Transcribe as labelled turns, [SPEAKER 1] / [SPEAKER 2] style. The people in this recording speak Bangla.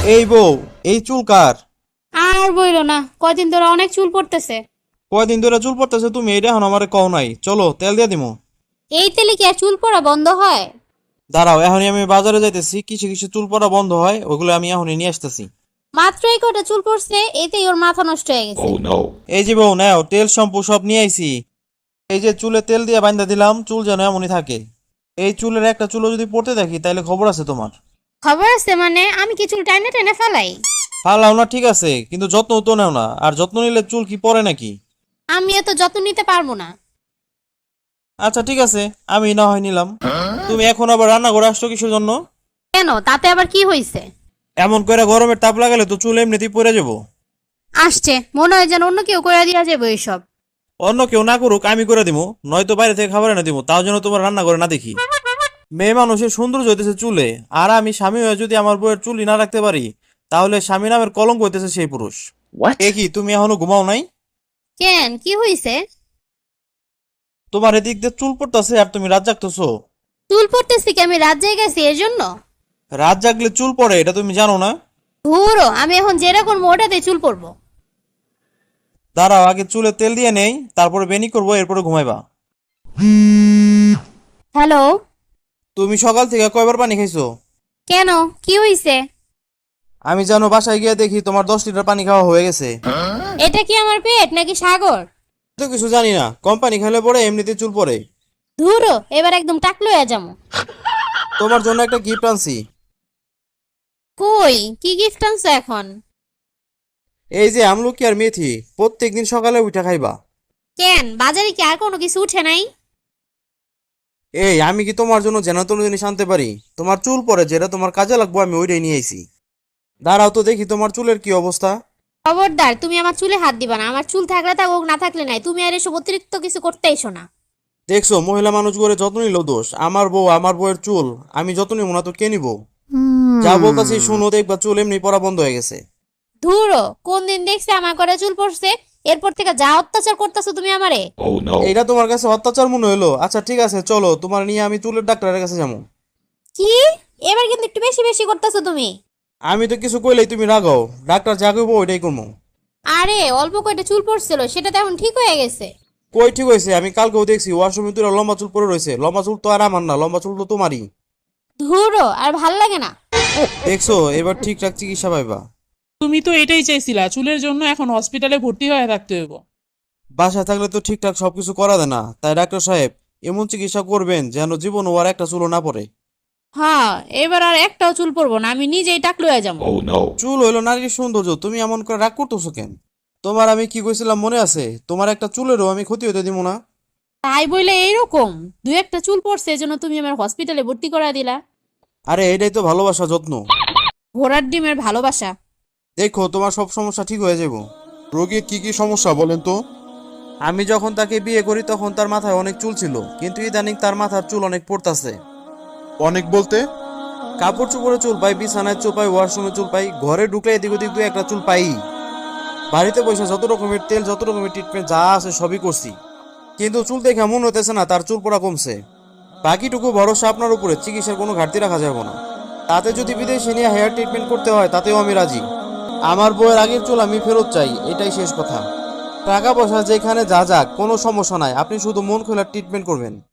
[SPEAKER 1] এই বউ, এই চুল কার?
[SPEAKER 2] আর বইলো না, কয়দিন ধরে অনেক চুল পড়তেছে।
[SPEAKER 1] কয়দিন ধরে চুল পড়তেছে? তুমি এটা এখন আমারে কও নাই। চলো তেল দিয়ে দিমু।
[SPEAKER 2] এই তেলে কি আর চুল পড়া বন্ধ হয়?
[SPEAKER 1] দাঁড়াও, এখনই আমি বাজারে যাইতেছি, কিছু কিছু চুল পড়া বন্ধ হয়, ওগুলো আমি এখনই নিয়ে আসতেছি।
[SPEAKER 2] মাত্র এই কয়টা চুল পড়ছে, এতেই ওর মাথা নষ্ট হয়ে গেছে।
[SPEAKER 1] এই যে বউ, নাও তেল শ্যাম্পু সব নিয়ে আইছি। এই যে চুলে তেল দিয়ে বান্ধা দিলাম, চুল যেন এমনই থাকে। এই চুলের একটা চুলও যদি পড়তে দেখি তাহলে খবর আছে তোমার।
[SPEAKER 2] খবর আছে মানে? আমি কি চুল টাইনে টেনে ফেলাই?
[SPEAKER 1] ফালাও না ঠিক আছে, কিন্তু যত্ন তো নেও না। আর যত্ন নিলে চুল কি পড়ে নাকি?
[SPEAKER 2] আমি এত যত্ন নিতে পারবো না।
[SPEAKER 1] আচ্ছা ঠিক আছে, আমি না হয় নিলাম। তুমি এখন আবার রান্না করে আসছো কিসের জন্য?
[SPEAKER 2] কেন, তাতে আবার কি হয়েছে?
[SPEAKER 1] এমন করে গরমের তাপ লাগালে তো চুল এমনিতেই পড়ে যাবো।
[SPEAKER 2] আসছে মনে হয় যেন অন্য কেউ করে দিয়া যাবে এইসব।
[SPEAKER 1] অন্য কেউ না করুক, আমি করে দিব। নয়তো বাইরে থেকে খাবার এনে দিব, তাও যেন তোমার রান্না করে না দেখি। মেয়ে মানুষের সৌন্দর্য হইতেছে চুলে, আর আমি স্বামী হয়ে যদি আমার বউয়ের চুলই না রাখতে পারি, তাহলে স্বামী নামের কলঙ্ক হইতেছে সেই পুরুষ। এ কি, তুমি এখনো ঘুমাও নাই?
[SPEAKER 2] কেন, কি হয়েছে?
[SPEAKER 1] তোমার এদিক দিয়ে চুল পড়তেছে আর তুমি রাত জাগতেছো।
[SPEAKER 2] চুল পড়তেছি কি আমি রাত জেগে গেছি এর জন্য?
[SPEAKER 1] রাত জাগলে চুল পড়ে, এটা তুমি জানো না?
[SPEAKER 2] ধুরো, আমি এখন যেটা করবো ওটাতে চুল পড়বো।
[SPEAKER 1] দাঁড়াও, আগে চুলে তেল দিয়ে নেই, তারপরে বেনি করবো, এরপরে ঘুমাইবা।
[SPEAKER 2] হ্যালো।
[SPEAKER 1] তুমি সকাল থেকে কয়বার পানি খাইছো?
[SPEAKER 2] কেন, কি হয়েছে?
[SPEAKER 1] আমি জানো, বাসায় গিয়ে দেখি তোমার 10 লিটার পানি খাওয়া হয়ে গেছে।
[SPEAKER 2] এটা কি আমার পেট নাকি সাগর?
[SPEAKER 1] তো কিছু জানি না, কম পানি খেলে পরে এমনিতে চুল পড়ে।
[SPEAKER 2] ধুরো, এবার একদম টাকলো হয়ে যাবো।
[SPEAKER 1] তোমার জন্য একটা গিফট আনছি।
[SPEAKER 2] কই, কি গিফট আনছো এখন?
[SPEAKER 1] এই যে আমলকি আর মেথি, প্রত্যেকদিন সকালে উঠে খাইবা।
[SPEAKER 2] কেন, বাজারে কি আর কোনো কিছু উঠে নাই?
[SPEAKER 1] এই, আমি কি তোমার জন্য যেন তেন জিনিস আনতে পারি? তোমার চুল পরে যেটা তোমার কাজে লাগবো, আমি ওইটাই নিয়ে আইছি। দাঁড়াও তো দেখি তোমার চুলের কি অবস্থা।
[SPEAKER 2] খবরদার, তুমি আমার চুলে হাত দিবা না। আমার চুল থাকলে থাকুক, না থাকলে নাই। তুমি আর এসব অতিরিক্ত কিছু করতে এসো না।
[SPEAKER 1] দেখছো, মহিলা মানুষ করে যত্ন নিলেও দোষ। আমার বউ, আমার বউয়ের চুল আমি যত্ন নিব না তো কে নিব? যা বলতাছি শুনো, দেখবা চুল এমনি পড়া বন্ধ হয়ে গেছে।
[SPEAKER 2] ধুরো, কোন দিন দেখছে আমার ঘরে চুল পড়ছে? এরপর থেকে যা অত্যাচার করতেছো তুমি আমারে।
[SPEAKER 1] এইটা তোমার কাছে অত্যাচার মনে হলো? আচ্ছা ঠিক আছে, চলো তোমার নিয়ে আমি চুলের ডাক্তারের কাছে যাবো।
[SPEAKER 2] কি? এবার কিন্তু একটু বেশি বেশি করতেছো তুমি।
[SPEAKER 1] আমি তো কিছু কইলেই তুমি রাগাও। ডাক্তার যা কইবো ওইটাই করবো।
[SPEAKER 2] আরে অল্প কয়টা চুল পড়ছিল, সেটা তো এখন ঠিক হয়ে গেছে।
[SPEAKER 1] কই ঠিক হয়েছে? আমি কালকেও দেখছি ওয়াশরুমে তুই লম্বা চুল পরে রয়েছে। লম্বা চুল তো আর আমার না, লম্বা চুল তো তোমারই।
[SPEAKER 2] ধুরো, আর ভাল লাগে না।
[SPEAKER 1] দেখছো, এবার ঠিকঠাক চিকিৎসা পাইবা।
[SPEAKER 3] তুমি তো এটাই চাইছিলা, চুলের জন্য এখন হসপিটালে ভর্তি হয়ে থাকতে হইব।
[SPEAKER 1] বাসায় থাকলে তো ঠিকঠাক সবকিছু করা দেয় না, তাই ডাক্তার সাহেব এমন চিকিৎসা করবেন যেন জীবন ও আর একটা চুলও না পড়ে।
[SPEAKER 2] হ্যাঁ, এবার আর একটাও চুল পড়বো না, আমি নিজেই টাকলু হয়ে যাবো।
[SPEAKER 1] চুল হইলো নারীর সৌন্দর্য, তুমি এমন করে রাগ করতেছো কেন? তোমার আমি কি কইছিলাম মনে আছে? তোমার একটা চুলেরও আমি ক্ষতি হতে দিব না।
[SPEAKER 2] তাই বলে এইরকম দু একটা চুল পড়ছে এজন্য তুমি আমার হসপিটালে ভর্তি করা দিলা?
[SPEAKER 1] আরে এটাই তো ভালোবাসা, যত্ন।
[SPEAKER 2] ঘোড়ার ডিমের ভালোবাসা।
[SPEAKER 1] দেখো, তোমার সব সমস্যা ঠিক হয়ে যাবো।
[SPEAKER 4] রোগীর কি কি সমস্যা বলেন তো?
[SPEAKER 1] আমি যখন তাকে বিয়ে করি তখন তার মাথায় অনেক চুল ছিল, কিন্তু ইদানিং তার মাথার চুল অনেক পড়তাছে।
[SPEAKER 4] অনেক বলতে?
[SPEAKER 1] কাপড় চোপড়ে চুল পাই, বিছানায় চুল পাই, ওয়াশরুমে চুল পাই, ঘরে ঢুকলে এদিক ওদিক দু একটা চুল পাই। বাড়িতে বসে যত রকমের তেল, যত রকমের ট্রিটমেন্ট যা আছে সবই করছি, কিন্তু চুল দেখে মনে হতেছে না তার চুল পড়া কমছে। বাকিটুকু ভরসা আপনার উপরে, চিকিৎসার কোনো ঘাটতি রাখা যাবে না। তাতে যদি বিদেশে নিয়ে হেয়ার ট্রিটমেন্ট করতে হয় তাতেও আমি রাজি। আমার বউয়ের আগের চুল আমি ফেরত চাই, এটাই শেষ কথা। টাকা পয়সা যেখানে যা যাক, কোনো সমস্যা নাই, আপনি শুধু মন খোলার ট্রিটমেন্ট করবেন।